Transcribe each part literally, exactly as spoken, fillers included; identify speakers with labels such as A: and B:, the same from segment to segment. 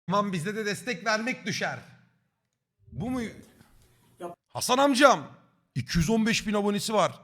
A: Aman bize de destek vermek düşer. Bu mu?
B: Yap.
A: Hasan amcam. iki yüz on beş bin abonesi var.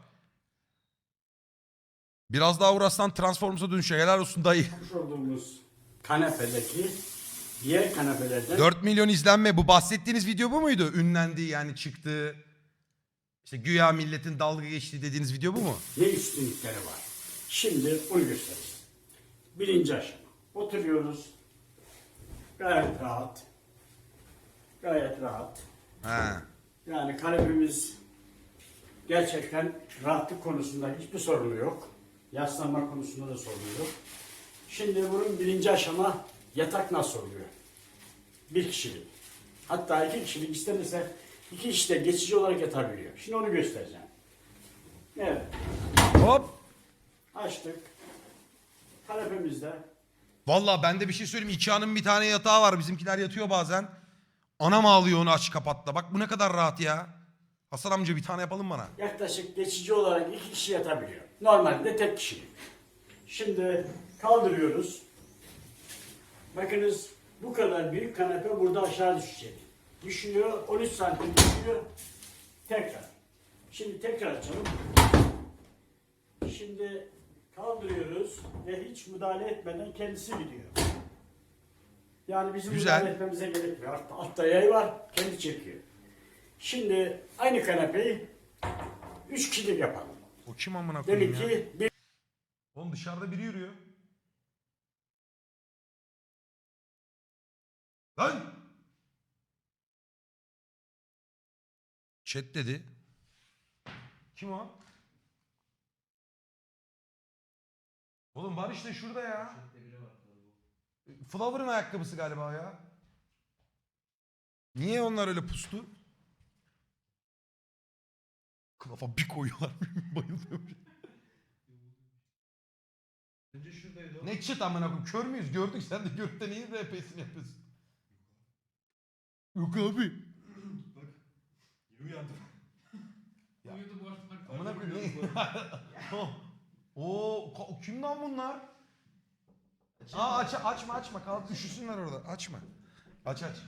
A: Biraz daha uğraşsan Transformers'a dönüşecek. Helal olsun dayı.
B: Yapmış olduğumuz kanepedeki diğer kanepelerden
A: dört milyon izlenme. Bu bahsettiğiniz video bu muydu? Ünlendi yani çıktı. İşte güya milletin dalga geçtiği dediğiniz video bu mu?
B: ne üstünlükleri var. Şimdi onu göstereyim. Birinci aşama. Oturuyoruz. Gayet rahat. Gayet rahat.
A: He.
B: Yani kanepemiz gerçekten rahatlık konusunda hiçbir sorunu yok. Yaslanma konusunda da sorun yok. Şimdi bunun birinci aşama yatak nasıl oluyor? Bir kişilik. Hatta iki kişilik istenirse iki kişi de geçici olarak yatabiliyor. Şimdi onu göstereceğim. Evet.
A: Hop.
B: Açtık. Kanepemizde
A: Vallahi ben de bir şey söyleyeyim. Ikea'nın bir tane yatağı var. Bizimkiler yatıyor bazen. Anam ağlıyor onu aç kapatla. Bak bu ne kadar rahat ya. Hasan amca bir tane yapalım bana.
B: yaklaşık geçici olarak iki kişi yatabiliyor. Normalde tek kişilik. Şimdi kaldırıyoruz. Bakınız bu kadar büyük kanepe burada aşağı düşecek. Düşüyor, on üç santim düşüyor. Tekrar. Şimdi tekrar açalım. Şimdi kaldırıyoruz ve hiç müdahale etmeden kendisi gidiyor. Yani bizim
A: Güzel.
B: müdahale etmemize gerek yok. Altta, altta yay var, kendi çekiyor. Şimdi aynı kanepeyi üç kişilik yapalım.
A: O kim amına koyayım
B: Demek
A: ya?
B: ki bir
A: Oğlum dışarıda biri yürüyor. Lan! Chat dedi. Kim o? Oğlum var işte şurada ya. Flower'ın ayakkabısı galiba ya. Niye onlar öyle pustu? Kılafa bir koyuyorlar. Bayılıyorum.
C: Önce şuradaydı o.
A: Ne çıt amına koyayım? Kör müyüz? Gördük sen de görüp de neyin R P'sini yapıyorsun? Yok abi.
C: Bak. Yeni uyandım.
A: Ya.
C: Uyudu bu arada.
A: Amına koyayım. ne? Oo, ka- kim lan bunlar? Aa aç açma açma kalk üşüsünler orada. Açma. Aç aç.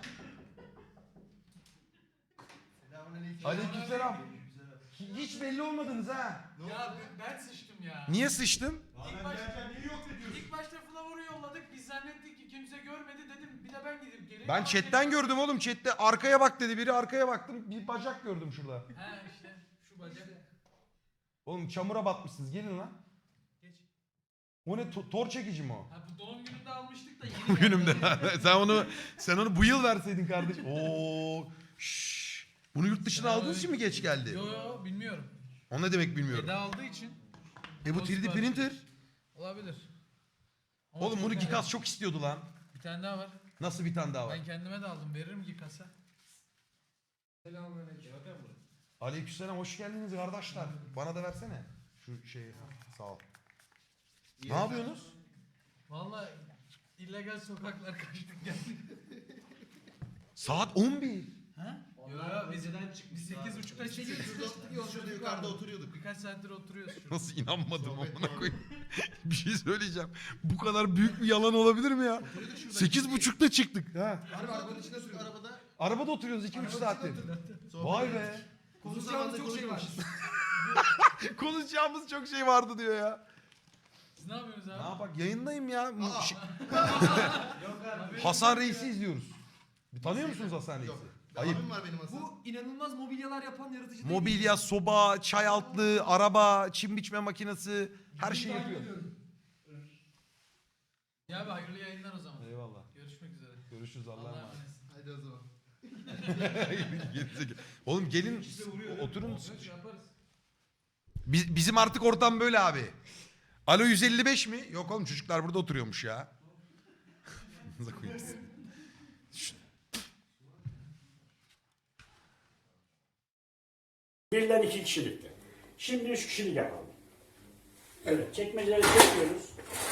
C: Selamünaleyküm.
A: Aleykümselam. Hiç belli olmadınız ha.
D: Ya ben, ben sıçtım ya.
A: Niye sıçtın?
D: İlk başta,
C: niye yok ediyorsun?
D: ilk başta Flavor'u yolladık. Biz zannettik ki kimse görmedi dedim. Bir de ben gidip geleyim.
A: Ben
D: Ama
A: chatten
D: dedim-
A: gördüm oğlum. Chatte arkaya bak dedi biri. Arkaya baktım. Bir bacak gördüm şurada.
D: He işte şu bacak.
A: Oğlum çamura batmışsınız. Gelin lan.
D: Geç.
A: O ne? To- tor çekici mi o?
D: Ha bu doğum gününde almıştık da yeni
A: Bu
D: geldi.
A: günümde. sen onu sen onu bu yıl verseydin kardeş. Oo. Şşş. Bunu yurt dışına aldığınız için mi geç geldi?
D: Yo yo bilmiyorum.
A: O ne demek bilmiyorum.
D: Eda aldığı için
A: E bu üç D printer.
D: olabilir. Ama
A: Oğlum
D: çok
A: bunu
D: merak-
A: Gikas çok istiyordu lan.
D: Bir tane daha var.
A: Nasıl bir tane daha var?
D: Ben kendime de aldım. Veririm Gikas'a.
C: Selamünaleyküm. Bakın buraya.
A: Aleykümselam hoş geldiniz kardeşler. Bana da versene. Şu şeyi. Sağ ol. Ne yapıyorsunuz?
D: Vallahi illegal sokaklar kaçtık geldik.
A: Saat on bir.
D: Ha? Yo yo biz, biz sekiz buçukta çıktık.
C: Şurada yukarıda oturuyorduk.
D: Birkaç saattir oturuyoruz şurada.
A: Nasıl inanmadım
C: Sohbet
A: amına
C: var.
A: koyayım. Bir şey söyleyeceğim. Bu kadar büyük bir yalan olabilir mi ya?
C: Oturuyorduk şurada.
A: Sekiz buçukta çıktık. Ha.
C: Harbi arabanın içinde sürüyor arabada.
A: Arabada oturuyoruz iki üç saattir.
C: Sohbet
A: Vay
C: ediyoruz.
A: be.
C: Uzun zamanda çok şey var.
A: Konuşacağımız çok şey vardı diyor ya.
D: Siz ne yapıyorsunuz abi?
A: Ne yapak yayındayım ya. Mu-
C: Aa.
A: şey-
D: Yok abi.
A: Hasan Reis'i izliyoruz. Bir tanıyor musunuz Hasan Reis'i?
C: Yok.
A: Ayıp.
C: Abim var benim aslında.
E: Bu inanılmaz mobilyalar yapan yaratıcı değil mi?
A: Mobilya, soba, çay altlığı, araba, çim biçme makinesi her şeyi yapıyor.
D: Ya abi hayırlı yayınlar o zaman.
A: Eyvallah.
D: Görüşmek üzere.
A: Görüşürüz Allah'a
D: Allah'a
A: emanet.
D: emanet.
C: Hadi o zaman.
A: Gerizekalı. Oğlum gelin oturun.
D: Yaparız, yaparız.
A: Biz, bizim artık ortam böyle abi. Alo yüz elli beş mi? Yok oğlum çocuklar burada oturuyormuş ya. Amına koyayım sizi. Şu-
B: birden iki kişilikti. Şimdi üç kişilik yapalım. Evet, çekmeceleri çekiyoruz.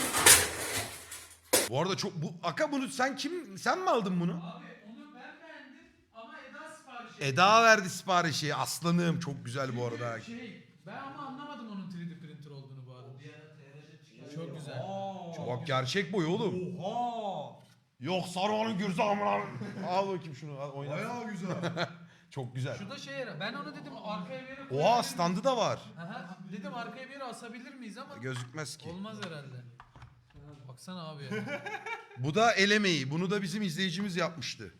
A: Bu arada çok bu Aka bunu sen kim sen mi aldın bunu?
D: Abi onu ben beğendim ama Eda sipariş etti.
A: Eda verdi siparişi. Aslanım çok güzel bu arada.
D: Şey, ben ama anlamadım onun üç D printer olduğunu bu arada. Çok güzel.
A: Bak gerçek boy oğlum.
E: Oha!
A: Yok Saruhan'ın gürzü amına. Al bakayım şunu al, oyna.
C: Bayağı güzel.
A: Çok güzel.
D: Şu da şey yara. Ben onu dedim arkaya bir yere
A: Oha
D: koyabilir
A: standı da var.
D: miyiz? Aha, dedim arkaya bir yere asabilir miyiz ama
A: Gözükmez ki.
D: olmaz herhalde. Baksana abi ya.
A: Bu da el emeği. Bunu da bizim izleyicimiz yapmıştı.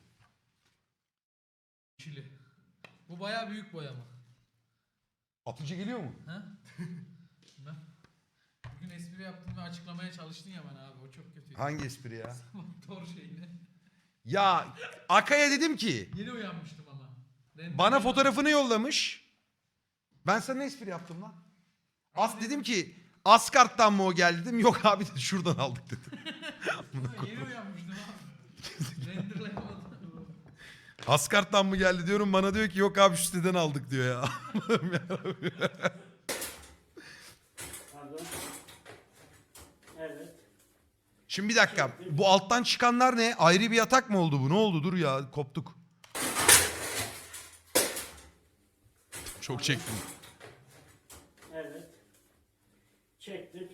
D: Çili. Bu bayağı büyük boyama.
A: Atıcı geliyor mu?
D: Ha? Ben bugün espri yaptım ve açıklamaya çalıştın ya bana abi. O çok kötüydü.
A: Hangi espri ya?
D: Motor şeyini.
A: Ya Akay'a dedim ki
D: Yeni uyanmıştım ama. Render-
A: bana fotoğrafını yollamış. Ben sana ne espri yaptım lan? As dedim ki Askart'tan mı o geldi dedim. Yok abi de şuradan aldık dedim.
D: Yeni uyanmıştım abi. Renderlayamadım.
A: Askart'tan mı geldi diyorum. Bana diyor ki yok abi şu siteden aldık diyor ya.
B: Pardon. Evet.
A: Şimdi bir dakika. Bu alttan çıkanlar ne? Ayrı bir yatak mı oldu bu? Ne oldu? Dur ya koptuk. Çok çektim.
B: Evet. Çektik.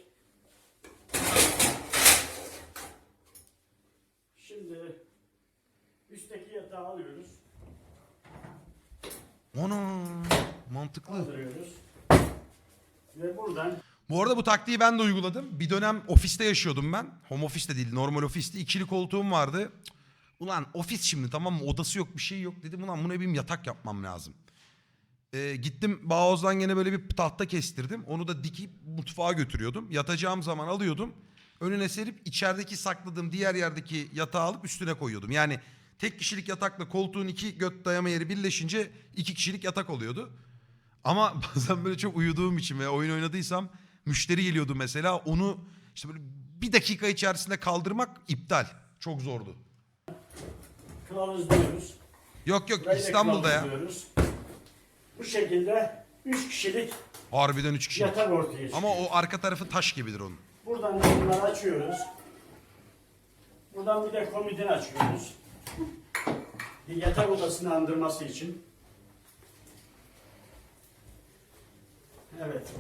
B: Şimdi üstteki yatağı alıyoruz.
A: Ana mantıklı.
B: Kaldırıyoruz. Ve buradan
A: Bu arada bu taktiği ben de uyguladım. Bir dönem ofiste yaşıyordum ben. Home office de değil, normal ofiste. İkili koltuğum vardı. Cık, ulan ofis şimdi tamam mı? Odası yok, bir şey yok. Dedim ulan buna benim yatak yapmam lazım. Ee, gittim Bağoz'dan gene böyle bir tahta kestirdim. Onu da dikip mutfağa götürüyordum. Yatacağım zaman alıyordum. Önüne serip içerideki sakladığım diğer yerdeki yatağı alıp üstüne koyuyordum. Yani tek kişilik yatakla koltuğun iki göt dayama yeri birleşince iki kişilik yatak oluyordu. Ama bazen böyle çok uyuduğum için veya oyun oynadıysam müşteri geliyordu mesela. Onu işte böyle bir dakika içerisinde kaldırmak iptal. Çok zordu.
B: kılavuzluyoruz.
A: Yok yok
B: Burayı da
A: İstanbul'da ya.
B: kılavuzluyoruz. Bu şekilde üç kişilik
A: Harbiden üç kişi.
B: yatak ortaya çıkıyor.
A: Ama o arka tarafı taş gibidir onun.
B: Buradan da bunları açıyoruz. Buradan bir de komodini açıyoruz. Bir yatak odasını andırması için. Evet.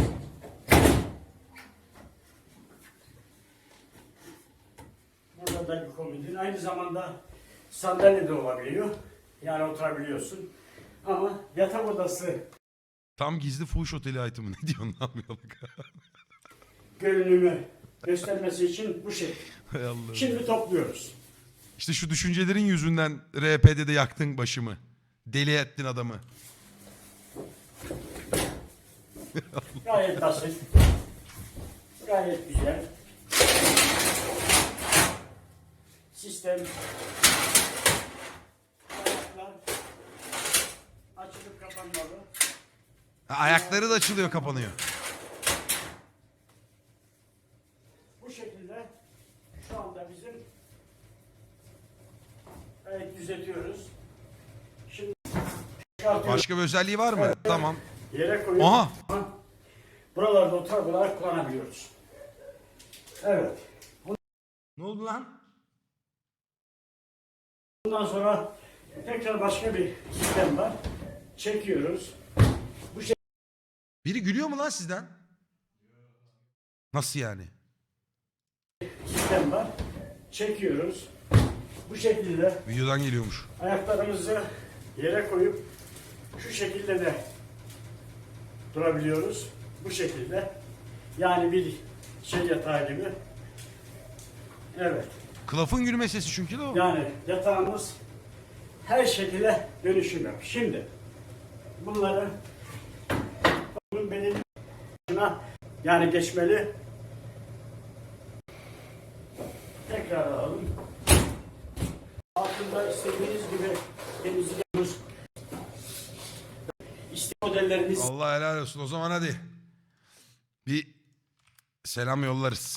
B: Burada da bir komodin. Aynı zamanda sandalye de olabiliyor. Yani oturabiliyorsun. Ama yatak odası
A: Tam gizli fuhuş oteli itemi. Ne diyorsun lan Yalaka?
B: görünümü göstermesi için bu şekilde.
A: Hay Allah.
B: Şimdi topluyoruz.
A: İşte şu düşüncelerin yüzünden R P'de de yaktın başımı. Deli ettin adamı.
B: Gayet basit. Gayet güzel. Sistem. Ayaklar açılıp kapanmalı.
A: Ha, ayakları da açılıyor kapanıyor.
B: Bu şekilde şu anda bizim gayet düzeltiyoruz. Şimdi çıkartıyoruz.
A: Başka bir özelliği var mı? Tamam.
B: Yere koyup
A: Aha.
B: buralarda otur olarak kullanabiliyoruz. Evet.
A: Ne oldu lan?
B: Bundan sonra tekrar başka bir sistem var. Çekiyoruz.
A: Biri gülüyor mu lan sizden? Nasıl yani?
B: Sistem var. Çekiyoruz. Bu şekilde
A: Videodan geliyormuş.
B: ayaklarımızı yere koyup şu şekilde de durabiliyoruz. Bu şekilde. Yani bir şey yatağı gibi. Evet.
A: Klafın gülme sesi çünkü de o.
B: Yani yatağımız her şekilde dönüşüm yap. Şimdi bunları bunun belirli başına yani geçmeli. Tekrar alalım. Altında istediğiniz gibi temizliyoruz. İşte modellerimiz
A: Allah helal olsun. O zaman hadi. Bir selam yollarız.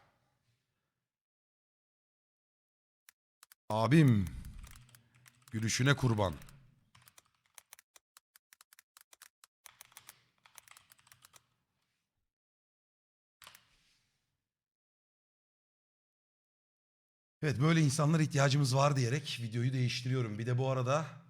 A: Abim. Gülüşüne kurban. Evet böyle insanlara ihtiyacımız var diyerek videoyu değiştiriyorum. Bir de bu arada